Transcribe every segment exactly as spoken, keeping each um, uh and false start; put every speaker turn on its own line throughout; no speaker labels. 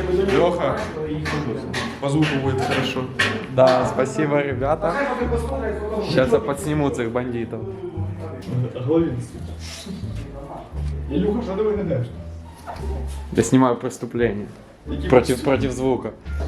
Леха, по звуку будет хорошо.
Да, спасибо, ребята. Сейчас я подсниму этих бандитов.
Илюха, что ты выглядаешь?
Я снимаю преступление. Против, против звука.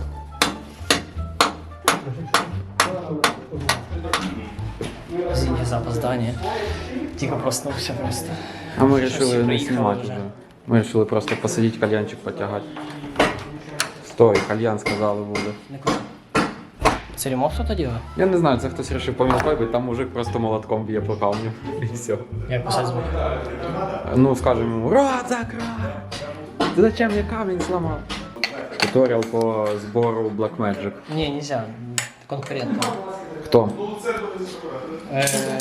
Извините за опоздание. Тихо проснулся просто.
А мы решили не снимать уже. Мы решили просто посадить кальянчик, потягать. Стой, кальян сказали буде.
Це ремонт хто-то делает?
Я не знаю, це хтось вирішив помилкою, бо там мужик просто молотком б'є по камню. І все.
Як писати звук?
Ну, скажемо йому, рот закрой! Ти зачем я камінь зламав? Туторіал по збору Black Magic.
Не, нельзя. Конкурентно.
Хто?
Э,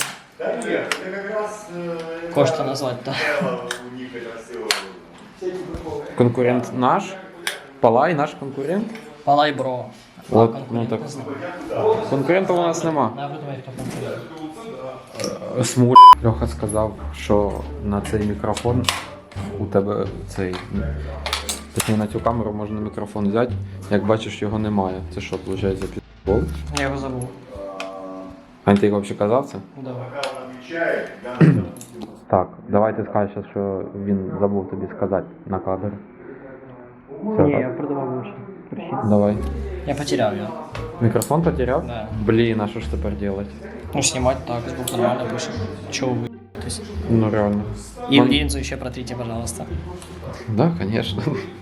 Кошта назвать-то.
Конкурент наш? Палай наш конкурент?
Палай бро.
От,
Конкурент
ну так.
не знаю.
Конкурентів у нас нема.
Я придумаю, хто конкурент.
Смуль. Льоха сказав, що на цей мікрофон у тебе цей. Точніше, на цю камеру можна мікрофон взяти. Як бачиш, його немає. Це що, виходить, за підбол?
Я його забув.
А ти його взагалі казав це?
Да.
Так, давай ти скажеш, що він забув тобі сказати на кадр. Все,
Не,
так?
я придумав лучше.
Давай.
Я потерял его.
Микрофон потерял?
Да.
Блин, а что ж теперь делать?
Ну, снимать так, звук нормально пишет. Чего вы? То есть...
Ну реально.
И
Он-
линзу еще протрите, пожалуйста.
Да, конечно.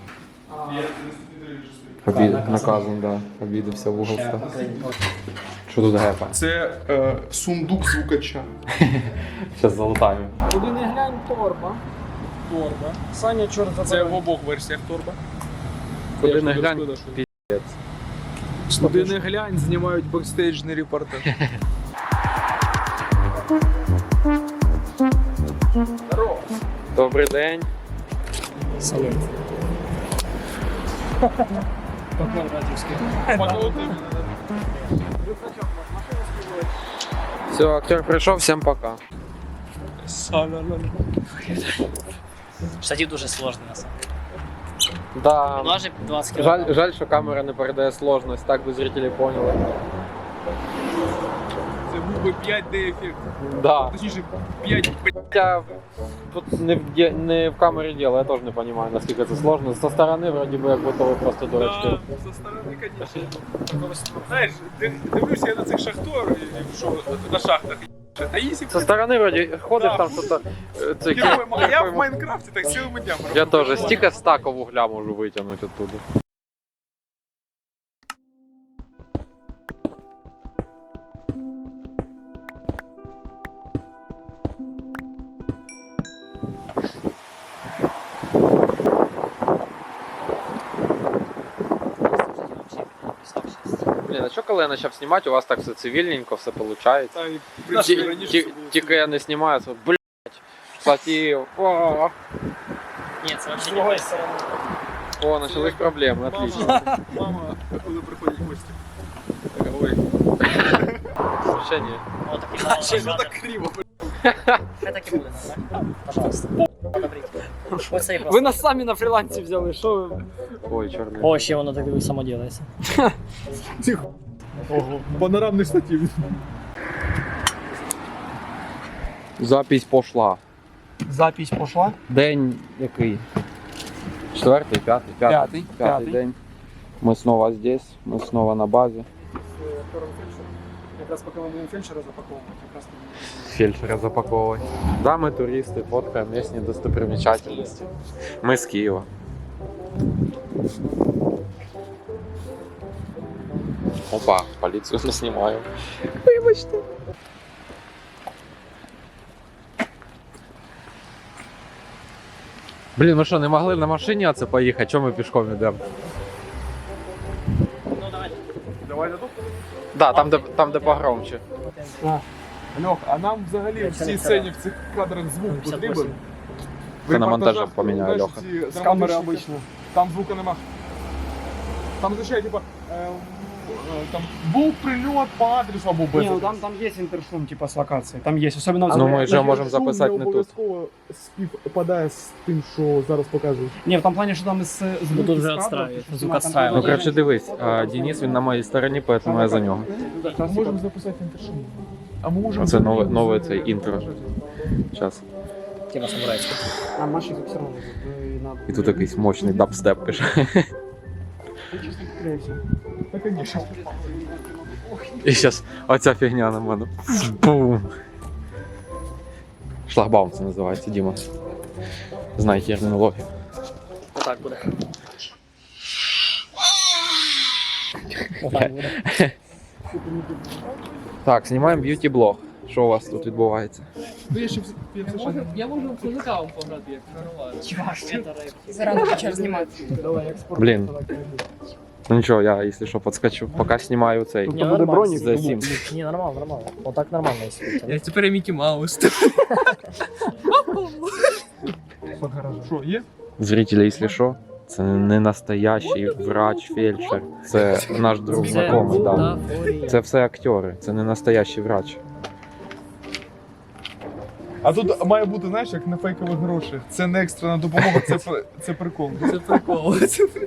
Обид... Наказан, да. Обидався в угол став. Що тут гепа?
Це е, сундук звукача.
Зараз залутаємо.
Куди не глянь, торба. Торба. Саня, чорт
Це
забирай.
в обох версіях торба.
Куди
Я
не
ж
глянь,
туди шкода, що-
пі***ць.
Куди не глянь, знімають бекстейджний репортаж.
Добрий день.
Салют. Покмон радиовский.
Все, актер прийшов, всім пока.
Штатив дуже сложный, на самом деле.
Да.
Важит двадцать килограмм.
Жаль, жаль, що камера не передає сложність, так би зрителі поняли.
Це був би п'ять дей ефект.
Да.
Точніше, п'ять
Хотя тут не в, де- не в камері діло, я теж не розумію, наскільки це сложно. Со сторони, вроді би, як будто ви просто дурачки.
Да, со сторони, конечно. Знаєш, ти дивлюся я на цих шахторів, що на шахтах. А якщо
Со сторони, вроді, ходиш
Да.
там щось. е, це
Героєм, а я
героєм-
в Майнкрафті так цілими днями.
Я
роблю.
теж стільки стака вугля можу витягнути оттуда. Блін, а що коли я почав знімати, у вас так все цивільненько, все виходить?
Та, і, в принципі, раніше це було
Тільки я не знімаю, це, блядь, штатив, о,
Нет, это вообще
С
не
другой
так.
стороны.
о, начались проблеми, отлично.
Мама, мама, коли приходять гості. Така, ой,
Ще ні.
Вот так и надо.
щось так криво.
Я так и буду, да? Пожалуйста. Одобрите. Вот стоит
Ви
просто.
нас самі на фрілансі взяли, що ви?
Ой, чорний.
О, ще воно так і само делается.
Тихо. Ого, панорамний штатив.
Запись пошла.
Запись пішла.
День який? Четвертий, п'ятий, п'ятий,
П'ятий,
п'ятий
п'ятий.
день. Ми снова здесь, ми снова на базі.
Якраз поки ми будемо фельдшера запаковувати, якраз
Фельдшера запаковувати. Да, ми туристи, фоткаємо місні достопримічательності. Ми з Києва. Опа, поліцію не знімаю. Вибачте. Блін, ми що, не могли на машині оце поїхати? Чому ми пішком йдемо?
Ну давай.
Давай на тут.
Да, там де, там, де погромче.
Льох, а нам взагалі в цій сцені, в цих кадрах звук потрібен?
Ти на монтажі
репортажах,
поміняй,
знаєш,
Льоха.
ці драматичні- Там звука нема. Там звичайно, типа, е,
там був прильот по адресу або без
Не, ну
адресу.
там, там есть интершум, типа, с локацией. Там есть, особенно...
Ну,
в-
ми вже
Але
можемо
шум
записати
не
не тут.
обов'язково співпадає з тим, що зараз покажуть.
Не, в том плане, что там из звук
Ну, тут
из
вже
кадра,
отстраивает,
что
звук
снимать, там
отстраивает.
Ну,
тоже-
коротше, дивись, а, Денис, він на моїй стороні, поэтому я за нього.
Ми можемо записати інтершум. А ми можемо...
Оце нове-
взагалі
нове
з-
це інтро. Зараз.
Тема самурайська.
А Маши все равно. э, надо-
І тут якийсь мощний дабстеп пише.
Та, конечно.
І зараз оця фігня на мене. Бум. Шлагбаум це називається, Діма. Знай термінологію.
Отак буде. Отак буде.
Так, знімаємо б'юті-блог. Що у вас тут відбувається?
Ну, я ще в- я це ще-
Я можу в козака вам пограти, як нормально.
Зарано почав знімати.
Давай, экспорт.
Блін. Ну нічого, я, якщо що, підскочу. Поки знімаю цей.
Ні,
буде
нормально.
бронік.
За сім.
Ні, нормально, нормально. Отак нормально, якщо.
Я тепер я Мікі Маус.
Що, є?
Зрителі, якщо що, це не настоящий врач, фельдшер. Це наш друг знайомий. Да.
бутафорія.
Це все актори, це не настоящий врач.
А тут має бути, знаєш, як на фейкових грошах. Це не екстрена допомога, це, при- це прикол.
Це прикол. Це прикол.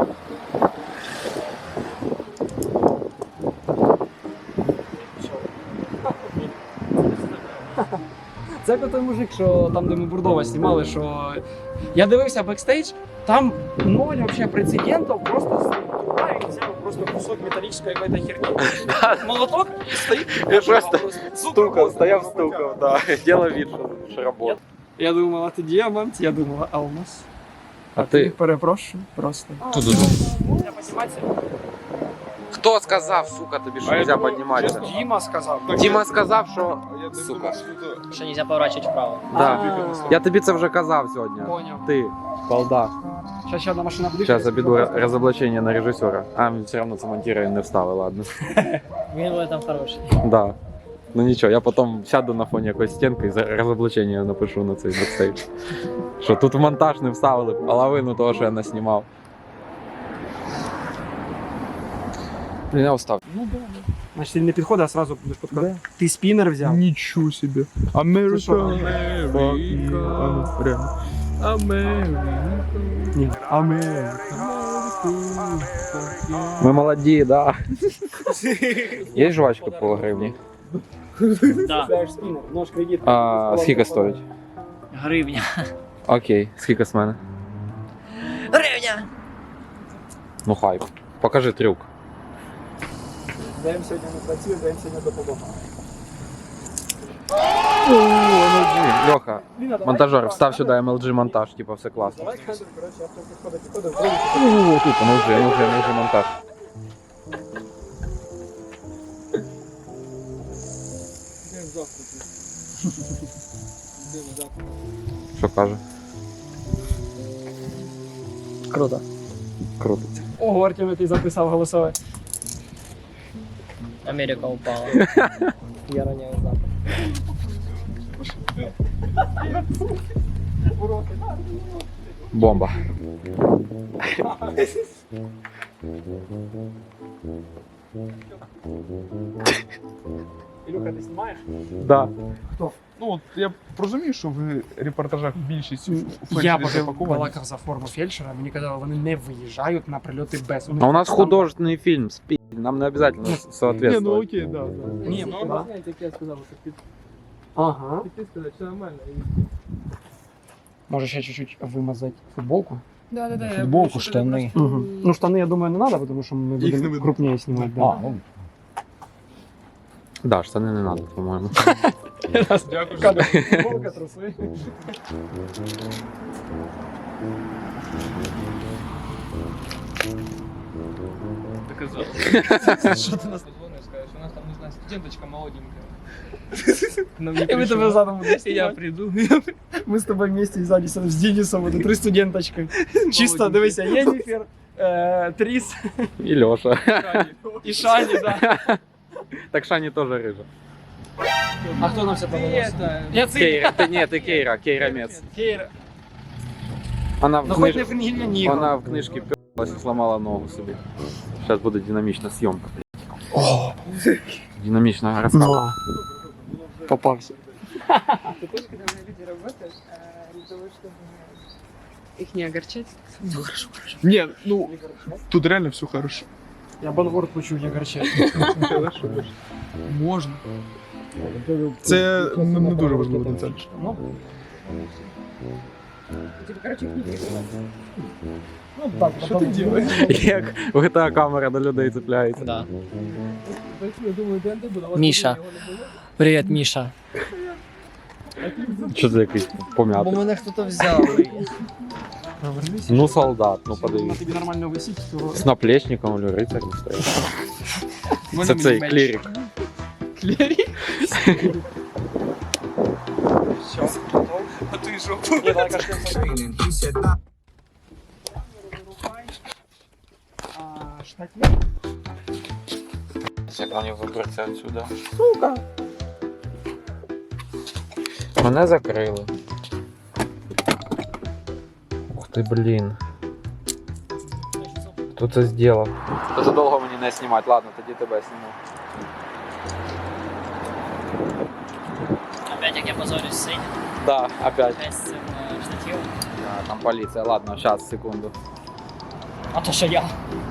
Це як той мужик, що там, де ми Бурдова знімали, що я дивився бекстейдж, там ноль вообще прецедентів, просто туда і взяв просто кусок металічної какой-то херні. Молоток і стоїть.
Я просто
стукав,
стояв, стукав, да. Діло від, що робота.
Я думав, а ти діамант, я думала, алмаз.
А ти?
Перепрошую, просто.
Туди.
Я підніматися?
Хто сказав, сука, тобі що
А я
нельзя
думаю,
підніматися?
Діма сказав.
Діма сказав, що...
А я
Сука.
думав, що тут-
Що нельзя поворачувати вправо.
Да. Я тобі це вже казав сьогодні.
Поняв.
Ти, балда.
Зараз ще одна машина буде.
Зараз обіду розоблачення на режисера. А, він все одно це монтує, не встави, ладно.
Він в этом хороший.
Да. Ну нічого, я потім сяду на фоні якоїсь стінки і за- розоблачення напишу на цей бекстейдж. Що тут в монтаж не вставили половину того, що я наснімав. Блін, я устав.
Ну да.
Значить, ти не підходить, а одразу будеш підходити. Ти спінер взяв.
Нічого собі. Америка.
що?
Америка.
Америка.
Ні. Америка.
Ми молоді, да. Є жвачка по гривні?
Да.
Знаєш спінер, нож кредит.
А скільки стоїть?
Гривня.
Окей, скільки з мене?
Гривня!
Ну хай. Покажи трюк.
Даємо сьогодні не працює, даємо сьогодні допомогу.
Льоха, монтажер, встав сюди ем ел джі монтаж, типа все класно.
Давай, коротше, я підходить, підходить, вроді.
О, тут ем ел джі, ем ел джі, ем ел джі монтаж. Що каже?
Круто.
Крутиться.
Ого, Артем, ти записав голосове.
Америка упала. Я роняю запах.
Бомба.
Ілюха, ти знімаєш?
Да.
Ну, от я розумію, що в репортажах більшість
Я
фельдшерів
поки
запаковані.
балакав за форму фельдшера, мені казали, вони не виїжджають на прильоти без.
А у нас художественный фильм, спи. Нам не обязательно
Ні, ну
соответствовать.
окей, да, да.
Ні,
Ну,
да.
знаєте, як я сказав, що під-
Ага.
ти сказав, все нормально.
Може ще чуть-чуть вимазати футболку?
Да, да, да.
Футболку, штани.
Угу. Ну, штани, я думаю, не треба, тому що ми
Їх не
будемо
видно.
крупніше знімати. Да.
А, ну.
Да, штани не надо, по-моєму.
Дякую, що
Кадр, футболка, труси.
Доказав. Що ти нас дзвониш, скажеш? У нас там, не знаю, студенточка молоденькая. Нам не
І ми тебе
прийшла.
задом будемо
І я
знімати.
прийду.
Ми з тобою вместе ззаді сидимо з Денисом, от, три студенточки. Чисто, дивися, Єніфер, е, Тріс
І Льоша.
і Шані, да.
Так Шані теж рижа.
А хто нам все подобався?
Это...
Я цей.
Кейра, ти ні, ти Кейра, Кейра Мец.
Кейра.
Вона в,
Ну, хоч не
книж...
Фінгільня Ніго.
Вона в книжці ось сломала ногу собі. Зараз буде динамічна зйомка. О! Динамічна розкладка.
Попався.
Ты тоже, когда на люди работаешь, для того, чтобы их не огорчать?
Ні, ну тут реально все хорошо.
Я банворд почув, як гарчать.
Можна. Це не, не дуже важливо деталь.
Типа, короче, их не переживать.
Ну так,
Що ти робиш?
Як в джі ті ей камера до людей цепляється.
Да.
Я думаю, ДНД буде.
Міша. Привіт, Міша.
Що це якийсь
Бо
пом'ятий?
мене хтось взяв.
Ну, солдат, ну
На
подивись.
тобі нормально висіть, то...
З наплечником, или рицар не стоїть. Це цей клірік.
Клерік?
А ти жопу.
Ні, давай кажемо. А штатні?
Як вони виберуться отсюда? Сука! Мене закрили. Ух ти, блін. Хто це зробив? Дуже довго мені не знімати, ладно, тоді тебе зніму.
Опять як я позорюсь сидь.
Да, опять.
Опять з цим е, штативом.
Да, там поліція, ладно, зараз, секунду.
А то що я.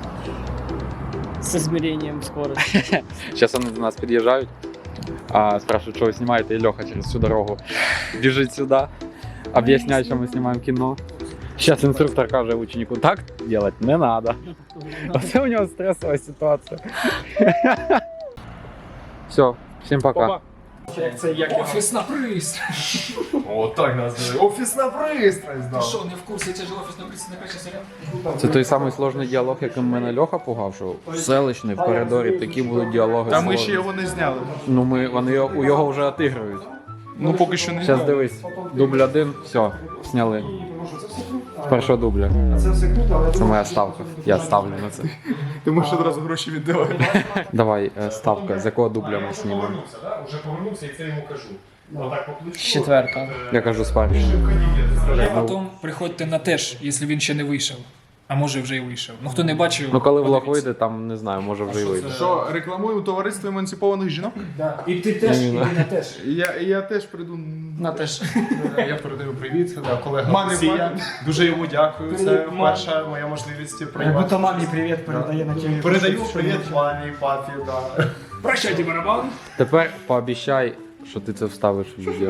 З измерением скорости.
Зараз вони до нас під'їжджають, а, спрашивают, що ви знімаєте, і Льоха через всю дорогу біжить сюди, об'ясняє, що ми знімаємо кіно. Зараз інструктор каже ученику, так робити не треба. Оце у нього стресова ситуація. Все, всім пока.
Як це, як офісна пристрасть.
О, так називає. Офісна пристрасть, да.
Що, не в курсі, це ж офісна пристрасть на краще серіал?
Це той самий сложний діалог, яким мене Льоха пугав, що в селищний, в коридорі такі будуть діалоги.
Та ми
сложні.
ще його не зняли.
Ну, ми, вони його- у його вже отигрують.
Ну поки що не
Зараз
зняли.
дивись, дубль один, все, зняли. З першого дубля. Це моя ставка. Я ставлю на це.
Ти можеш одразу гроші віддавати.
Давай, е, ставка, з якого дубля ми знімемо?
Вже повернувся і це йому кажу. Отак по плечу.
Четверта.
Я кажу з першого.
Потім приходьте на теж, якщо він ще не вийшов. А може вже й вийшов. Ну хто не бачив,
Ну коли влог
подивіться.
вийде, там не знаю, може вже й вийде.
Що, рекламуємо товариство емансипованих жінок?
Да. І ти теж, і
Ні,
ти на теж.
Я, я теж прийду.
На теж.
Я передаю привіт, да, колега
Мамі,
Олексія.
мамі.
Дуже йому дякую. Це
Привіт, мамі.
перша моя можливість
Якби
приймати.
то мамі привіт передає на тілі.
Передаю привіт мамі, папі, да.
Прощайте, барабан.
Тепер пообіцяй, що ти це вставиш в відео.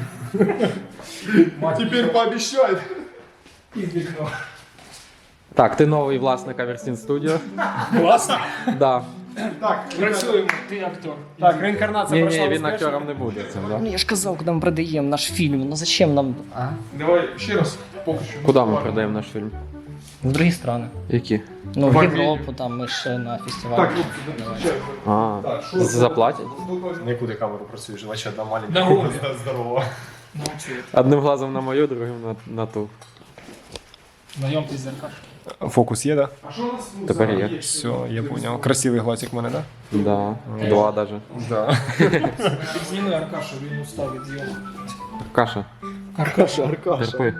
Тепер пообіцяй.
І вікно.
Так, ти новий власник Аверсін Студіо.
Власне.
Да.
Так,
Працюємо, ти актор.
Так, реінкарнація
Ні,
пройшла
ні, він
успішно.
актором не буде цим, да?
Ну я ж казав, коли ми продаємо наш фільм, ну зачем нам? А?
давай ще раз. Поки що.
Куди ми продаємо наш фільм?
В другі страни.
Які?
Ну, в
В
Європу, там ми ще на фестивалі.
Так, хлопці,
А, заплатять?
Нікуди камеру працюєш, наче одна маленька.
На голові.
Здорово.
Одним глазом на мою, другим на, на ту.
Знайомтесь з Аркаш.
Фокус є, да?
Тепер є.
Все, я понял. Красивий глазик в мене, да?
Да, два даже.
Да.
Зніми Аркашу, він устав від зйомок.
Каша,
Аркаша, Аркаша.
терпи.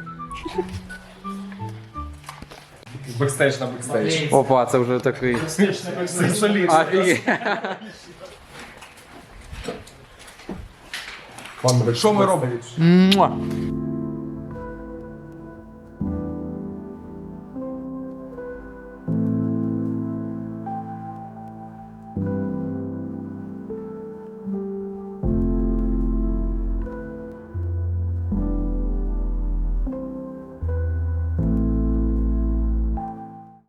Бекстейдж на бекстейдж.
Опа, це вже такий.
Солідно.
Офігеть.
Що ми робимо?
Муа.